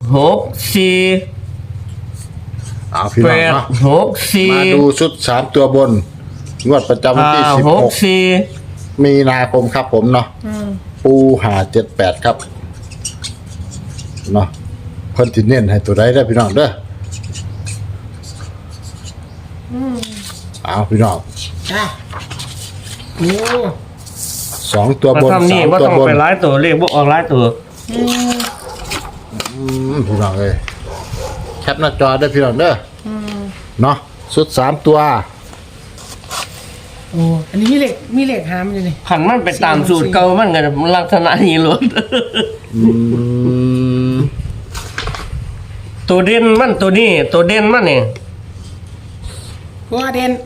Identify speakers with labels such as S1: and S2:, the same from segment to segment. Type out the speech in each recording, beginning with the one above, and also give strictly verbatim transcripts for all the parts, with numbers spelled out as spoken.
S1: หกสี่
S2: เอาพี่น้องเนาะ
S1: หกสี่
S2: มาดูชุดสามตัวบนงวดประจำวันที่สิบ
S1: ห
S2: ห
S1: ก
S2: ก
S1: สี่
S2: มีนาคมครับผมเนาะปูหาเจ็ดแปดครับเนาะเพิ่นติเน้นให้ตัวใดได้พี่น้องเด้อเอาพี่น้อง
S3: จ้าโอ้
S2: สองตัว
S1: มา
S2: บน
S1: ทำนี่
S2: สาม
S1: ว่า
S2: ตัว
S1: ต้อง
S2: บน
S1: ไปร้ายตัวเลขบ่ออกร้ายตัว
S3: อืม
S2: อืมพี่น้องเอ้ยแคปหน้าจอได้อพี่น้องเด้อ
S3: อืม
S2: เนาะชุดสามตัว
S3: โอ้อันนี้มีเหล็กมีเหล็กหามอยู่นี่
S1: ขันมันไปตามสูตรเก่ามันก็ลักษณะนี้ล้วน
S2: อืม
S1: ตัวเด่นมันตัวนี้ ตัวเด่นมันนี่
S3: ตัวเด่น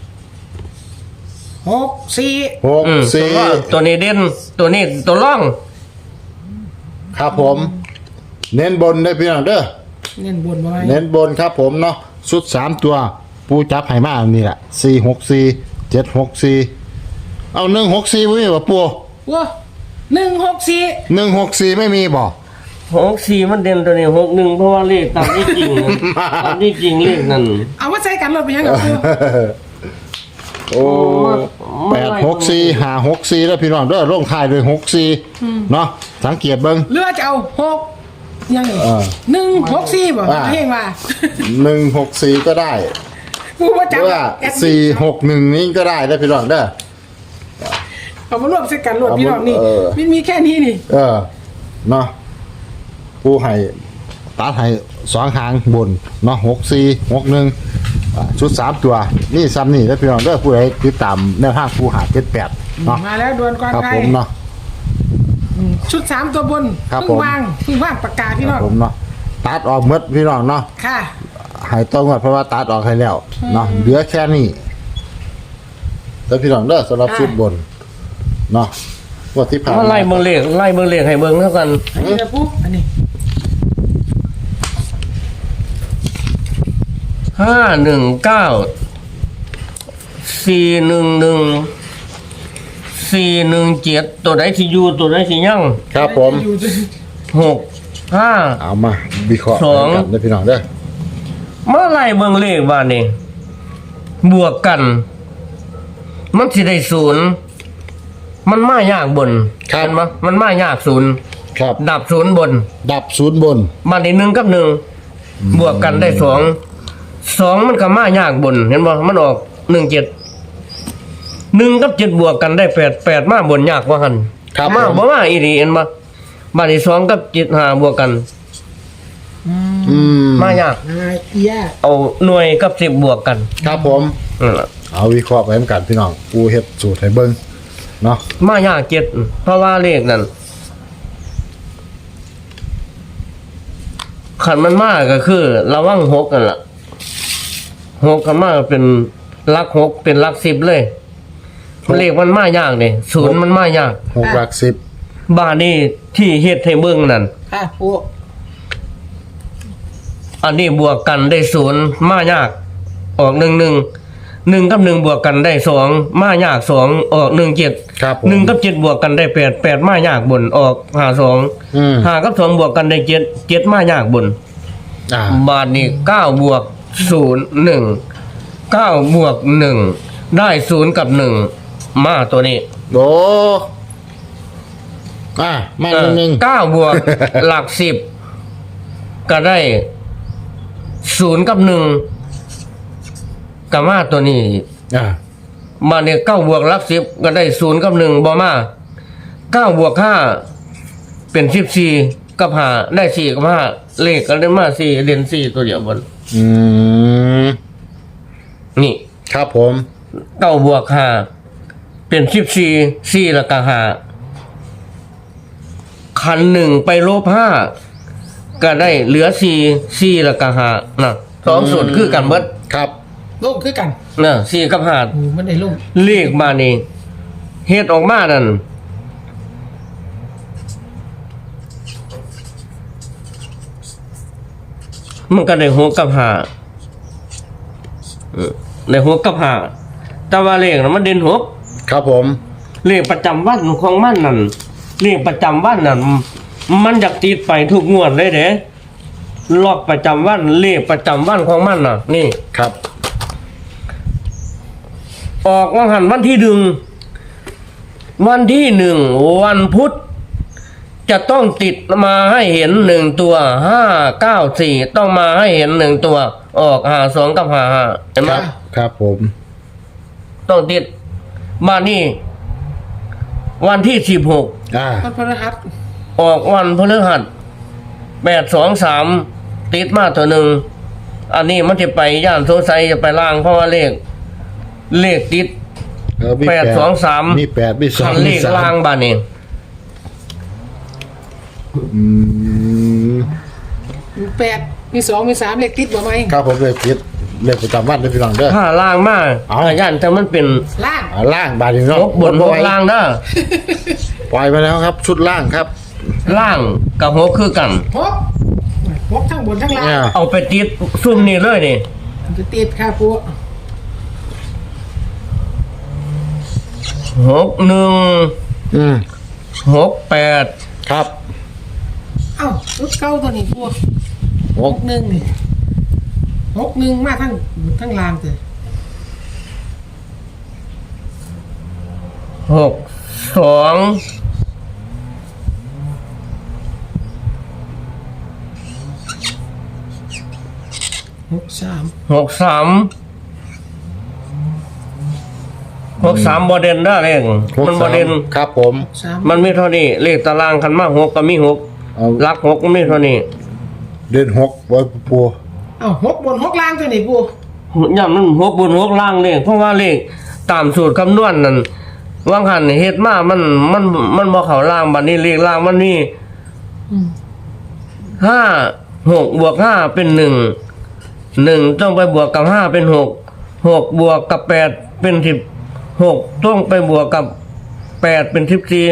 S3: หกสี่
S2: หก
S1: อืม
S2: สี่
S1: ตัวตัวนี้เด่นตัวนี้ตัวร่อง
S2: ครับผม เน้นบนได้อพี่น้องเด้อ
S3: เน้นบนมาไว้
S2: เน้นบนครับผมเนาะชุดสามตัว ปูจับไห่มาอันนี้แหละสี่หกสี่เจ็ดหกสี่เอาหนึ่งหกสี่ไม่มีบ่ปู
S3: ว้าหนึ่งหกสี่
S2: หนึ่งหกสี่ไม่มีบ่
S1: หกสี่มันเด่นตัวนี้หกหนึ่งเพราะว่าเลขตามที่จริง ตามที่จริงเลขนั่น
S3: เอาว่าใส่กันรถไปยังกับกู
S2: โอ้แปดหกสี่หาหกสี่แล้วพี่น้องเด้อลงท้ายด้วยหกสี่เนาะสังเกตเบิ้ง
S3: เลือจะเอาหกยังไง
S2: เออ
S3: หนึ่งหกสี่บ่
S2: อ่า
S3: เพลงว่า
S2: หนึ่งหกสี่ก็ได้
S3: กูว่า
S2: ห
S3: จั
S2: รื
S3: บ
S2: อว่าสี่หกหนึ่งนี้ก็ได้ได้อพี่น้องเด้อ
S3: เอามารวมใส่กันรถพี่น้องนี่
S2: เออ
S3: มันมีแค่นี้นี่
S2: เออเนาะผู้ให้ตัดให้สองหางบนเนาะหกสี่หกหนึ่งอ่าชุดสามตัวนี่ซ้ำนี่แล้วพี่น้องเด้อผู้ใดติดตามแนวทางผู้หาเจ็ดแปดเนาะ
S3: มาแล้วดวนก่อน
S2: ครับ
S3: ใคร
S2: ผมเนาะ
S3: อืมชุดสามตัวบน
S2: ครับ
S3: เพิ่ง
S2: ผม
S3: วางเพิ่งวางประกาศพี่
S2: ค
S3: น้
S2: รั
S3: อบ ง
S2: ผมเนาะตัดออกหมดพี่น้องเนาะ
S3: ค่ะ
S2: ใหายต้องหมดเพราะว่าตัดออกให้แล้วเนาะเหลือแค่นี้แล้วพี่น้องเด้อสำหรับชุดบนเนาะงวดที่ผ่าน
S1: มาไล่เบิ่งเลขไล่เบิ่งเลขให้เบิ่งเท่ากัน
S3: อันนี้นะปุ๊บอันนี้
S1: ห้าหนึ่งเก้าสี่หนึ่งหนึ่งสี่หนึ่งเจ็ดตัวใดที่อยู่ตัวใดที่ยั่ง
S2: ครับผม
S3: อยู่
S1: หกห้า
S2: เอามาวิเคราะห์
S1: สอง
S2: กันเด้อพี่น้องเด้อ
S1: มาไล่เบิ่งเลขว่านี่บวกกัน มันสิได้ศูนย์มันมายากบนเห็นปะมันมายากศูนย์
S2: ครับ
S1: ดับศูนย์บน
S2: ดับศูนย์บน
S1: มาได้หนึ่งกับหนึ่งบวกกันได้สองสองมันก็มายากบน เห็นบ่มันออกหนึ่งเจ็ดหนึ่งกับเจ็ดบวกกันได้แปดแปดมาบนยากกว่าหัน
S2: ครับ
S1: มา
S2: ผม
S1: บ่มาอีดีเห็นบ่มาได้สองกับเจ็ดหาบวกกัน
S2: อืม
S1: มายาก
S3: อ่าเอีย
S1: เอาหน่วยกับสิบบวกกัน
S2: ครับผม
S1: นั่นล่ะ
S2: เอาวิเคราะห์ไปเหมือนกันพี่น้องกูเฮ็ดสูตรให้เบิ่งเนาะ
S1: มายากเจ็ดเพราะว่าเลขนั่นขันมันมากก็คือระวังหกกันล่ะหกกันมากเป็นหลักหกเป็นหลักสิบเลยเลขมันมายากเลยศูนย์มันมายาก
S2: หกหลักสิบ
S1: บ้านนี้ที่เฮ็ดให้เบิ่งนั่น
S3: ค่ะโอ้
S1: อันนี้บวกกันได้ศูนย์มายาก ออกหนึ่งหนึ่งหนึ่งกับหนึ่งบวกกันได้สองมายากสองออกหนึ่งเจ็ด
S2: ครับผม
S1: หนึ่งกับเจ็ดบวกกันได้แปดแปดมายากบนออกหาสอง
S2: อืม
S1: หากับสองบวกกันได้เจ็ดเจ็ดมายากบน
S2: อ่า
S1: บาทนี้เก้าบวกศูนย์หนึ่งเก้าบวกหนึ่งได้ศูนย์กับหนึ่งมาตัวนี้
S2: โดอ่ามา
S1: เอ
S2: ห
S1: อ
S2: นึ่งหนึ่ง
S1: เก้าบวก หลักสิบก็ได้ศูนย์กับหนึ่งกับมาตัวนี้
S2: อ่า
S1: มาเนี่ยเก้าบวกหลักสิบก็ได้ศูนย์กับหนึ่งบอมาเก้าบวกห้าเป็นสิบสี่กับห้าได้สี่กับห้าเลขก็ได้มาสี่เรียนสี่ตัวเดียวบน
S2: อืม
S1: นี่
S2: ครับผม
S1: เก้าบวกห้าเป็นสิบสี่สี่แล้วก็ห้าคันหนึ่งไปลบห้าก็ได้เหลือสี่สี่แล้วก็ห้านะสองส่วนคือกันเบิด
S2: ครับ
S3: ลงคือกัน
S1: นะสี่กับห้า
S3: โอ้มันได้ลง
S1: เลขมานี่เฮ็ดออกมานั่นมันก็ได้หกกับห้าเออได้หกกับห้าแต่ว่าเลขน่ะมันเด่นหก
S2: ครับผม
S1: เลขประจำวันของมันนั่นเลขประจำวันนั่นมันอยากติดไปทุกงวดเลยเด้ล็อกประจำวันเลขประจำวันของมันน่ะ นี่
S2: ครับ
S1: ออกวันหันวันที่หนึ่งวันที่หนึ่งวันพุธจะต้องติดมาให้เห็นหนึ่งตัวห้าเก้าสี่ต้องมาให้เห็นหนึ่งตัว ออกหาสองกับหาห้าเห็นไหม
S2: ครับครับผม
S1: ต้องติดมานี่วันที่สิบหก
S2: อ่า
S3: มันพระหัส
S1: ออกวันพฤหัสแปดสองสามติดมาตัวหนึ่งอันนี้มันจะไปย่านโซไซจะไปล่างเพราะว่าเลข เลขติด
S2: เออมี
S1: แปดสองสาม
S2: มีแปดมีสอ
S1: คั
S2: ง
S1: นเล
S2: มี
S1: ข
S2: สาม
S1: ล่างบ้านนี้
S2: อืม
S3: มีแปดมีสองมีสามเลขติดบ่ไหม
S2: ครับผมเลยคิดเลขประจำวันเลยพี่น้องเด้อ
S1: ถ้าล่างมาก
S2: เอา
S1: ย่านแต่มันเป็น
S3: ล่าง
S2: อ่าล่างบาดนี้เนาะ
S1: หกบนหกล่างเด้อ
S2: ปล่อยมาแล้วครับ ชุดล่างครับ
S1: ล่างกับหกคือกัน
S3: หกหกทั้งบนทั้งล่าง
S2: เนี่ย
S1: เอาไปติดซุ่มนี่เลยนี่
S3: มันจะติดค่ะปู
S1: หกหนึ่ง
S2: อืม
S1: หกแปด
S2: ครับ
S3: เอ้าชุดเก้าตัวนี้ปู
S2: ห
S3: ห
S2: ก
S3: กหนึ่งนี่หกหนึ่งมาทั้งบนทั้งล่างเลย
S1: หกสอง
S3: หกสาม
S1: หกสามหกสามบอเดนได้เลข
S2: หก
S1: มันบอ
S2: สาม
S1: เดน
S2: ครับผม
S3: สาม
S1: มันมีเท่านี้เลขตารางคันมากหกก็มีหก
S2: เอา
S1: ลักหกก็มีเท่านี้
S2: เดือนหกไว้ปู
S3: เอ้าหกบนหกล่างตัวนี้ปู
S1: ย่ามันหกบนหกล่างเลขเพราะว่าเลขตามสูตรคำนวณนั่นว่างหันเฮ็ดมามันมันมันบ่เข้าล่างบัดนี้เลขล่างมันมี
S3: อืม
S1: ห้าหกบวกห้าเป็นหนึ่งหนึ่งต้องไปบวกกับห้าเป็นหกหกบวกกับแปดเป็นสิบหกต้องไปบวกกับแปดเป็นสิบสี่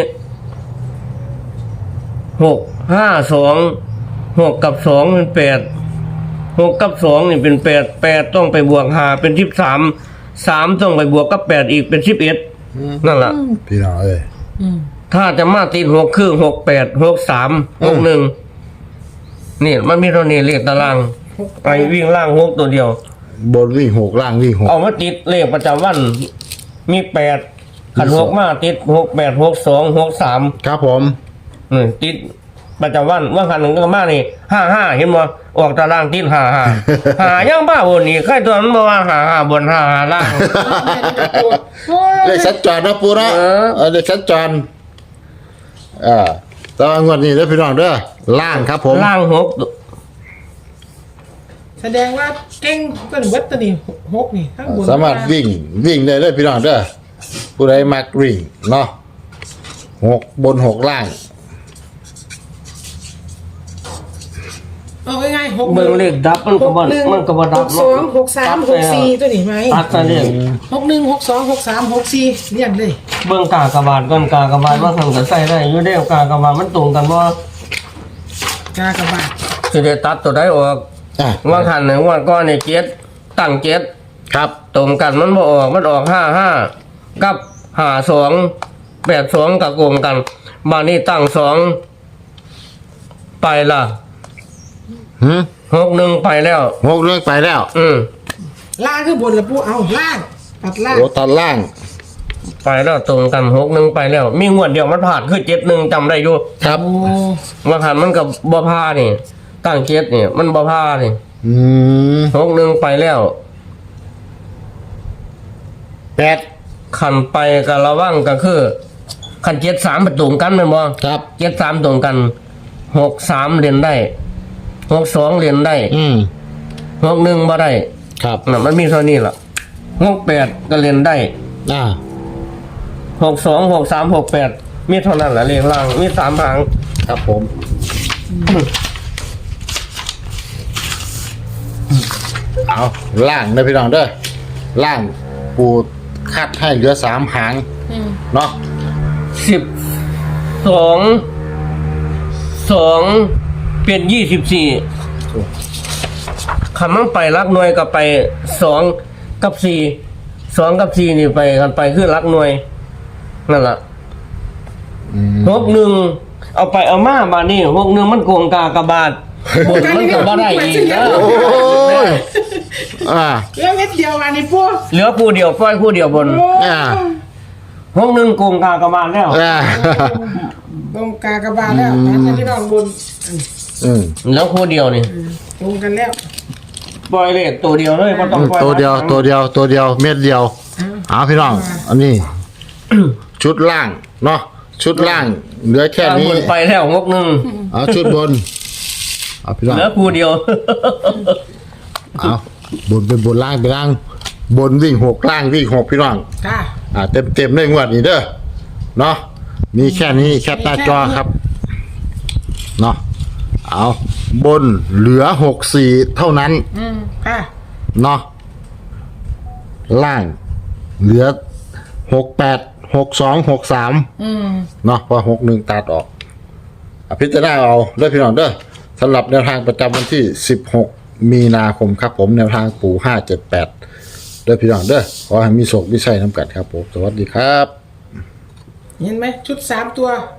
S1: หกห้าสองหกกับสองเป็นแปดหกกับสองนี่เป็นแปดแปดต้องไปบวกห้าเป็นสิบสามสามต้องไปบวกกับแปดอีกเป็นสิบเอ็ดนั่นแหละ
S2: พี่น้องเอ้ย
S3: อืม
S1: ถ้าจะมาติดหกคือหกแปดหกสามหกหนึ่งนี่มันมีเท่านี้เลขตารางไอ้วิ่งล่างหกตัวเดียว
S2: บนวิ่งหกล่างวิ่งหก
S1: เอามาติดเลขประจำวัน มีแปดขันหกมาติดหกแปดหกสองหกสาม
S2: ครับผม
S1: นี่ติดประจำวันว่าขันหนึ่งก็มานี่ห้าห้าเห็นบ่ออกตารางติดห้าห้าหายังบ้าบนนี่ใครตัวมันบอกว่าหาห้าบนห้าห้าล่าง
S2: เลขสัญจรนะปูนะ
S1: เออ
S2: เออเลขสัญจรอ่าแตว่างวดนี้เด้อพี่น้องเด้อล่างครับผม
S1: ล่างหก
S3: แสดงว่าเก่งเป็นวัดตัวนี้หกนี่ทั้งบน
S2: สามารถวิ่งวิ่งได้เลยพี่น้องเด้อผู้ใดมักวิ่งเนาะหกบนหกล่าง
S3: เอาง่ายๆหก
S1: เบิ่งเลขดับมัน
S3: ห
S1: ก็
S3: ก
S1: บ่
S3: หนึ่ง
S1: มันก็บ่ดั
S3: ห
S1: บ
S3: กสองหกสามหกสี่ตัวนี้ไหม
S1: ตัดซะเนี่ย
S3: หกหนึ่งหกสองหกสามหกสี่เรียงเลย
S1: เบิ่งกากบาทก่อนกากบาทว่าทำกันใส่ได้อยู่เด้อกากบาทมันตรงกันบ่
S3: กากบาท
S1: สิได้ตัดตัวใดออก
S2: อ่ะ
S1: ว่าคันหนึ่งว่าก้อนนี่เจ็ดตั้งเจ็ด
S2: ครับ
S1: ตรงกันมันบ่ออกมันออกห้าห้ากับห้าสองแปดสองกับโกงกันมานี่ตั้งสองไปละ
S2: หืม
S1: หกหนึ่งไปแล้ว
S2: หกเรื่องไปแล้ว
S1: อืม
S3: ล่างคือบนละปูเอาล่างตัดล่าง
S2: โอ้ตัดล่าง
S1: ไปแล้วตรงกันหกหนึ่งไปแล้ว มีงวดเดียวมันผ่านคือเจ็ดหนึ่งจำได้อยู่
S2: ครับ
S3: โอ้
S1: ว่าคันมันกับบ่พานี่ตั้งเจ็ดนี่มันบ่พานี่
S2: อืม
S1: หกหนึ่งไปแล้ว
S2: แปด
S1: ขันไปกับระวังก็คือขันเจ็ดสามไปตรงกันแม่นบ่
S2: ครับ
S1: เจ็ดสามตรงกันหกสามเรียนได้หกสองเรียนได้
S2: อืม
S1: หกหนึ่งบ่ได้
S2: ครับ
S1: น่ะมันมีเท่านี้ล่ะหกแปดก็เรียนได้
S2: อ่า
S1: หกสองหกสามหกแปดมีเท่านั้นแหละเลขล่างมีสามหาง
S2: ครับผมเอาล่างนะพี่น้องเด้อล่างปูคัดให้เหลือสามหาง
S3: อืม
S2: เนาะ
S1: สิบสองสองเป็นยี่สิบสี่คำมันไปรักหน่วยกับไปสองกับสี่สองกับสี่นี่ไปกันไปคือรักหน่วยนั่นแหละ
S2: อืม
S1: หกหนึ่งเอาไปเอามาบาทนี่หกหนึ่งมันโกงกากบาทบนมันก็บ่ได้อีกนะ
S2: โอ้ยอ่า
S3: แล้วเม็ดเดียวอันนี้ปู
S1: เหลือคู่เดียวปล่อยคู่เดียวบน
S2: อ่า
S1: ห้องหนึ่งโกงกากระบาลแล้ว
S2: อ่า
S3: ตรงกากบาลแล้วนะท่านพี่น้องบน
S2: อืม
S1: แล้วคู่เดียวนี่
S3: ตรงกันแล้ว
S1: ปล่อยเลขตัวเดียวเลยบ่ต้องปล่อย
S2: ตัวเดียวตัวเดียวตัวเดียวเม็ดเดียวเอาพี่น้องอันนี้ ชุดล่างเนาะชุดล่างเหลือแค่
S1: ทาง
S2: นี้
S1: บนไปแล้วงกหนึ่ง
S2: เอาชุดบนเอาพี่น้อง
S1: เหลือคู่เดียว
S2: เอาบนเป็นบนล่างเป็นล่าง บนวิ่งหกล่างวิ่งหกพี่น้อง
S3: ค่ะ
S2: อ่าเต็มเต็มๆเลยงวดนี้เด้อเนาะมีแค่นี้แคปหน้าจอครับเนาะเอาบนเหลือหกสี่เท่านั้น
S3: อืมค่ะ
S2: เนาะล่างเหลือหกแปดหกสองหกสาม
S3: อืม
S2: เนาะเพอหกหนึ่งตัดออกอพิจารณาเอาเด้อพี่น้องเด้อสำหรับแนวทางประจำวันที่สิบหกมีนาคมครับผมแนวทางปู่ห้าเจ็ดแปดเด้อพี่น้องเด้อขอให้มีโชคมีชัยน้ำกัดครับผมสวัสดีครับ
S3: เห็นไหมชุดสามตัว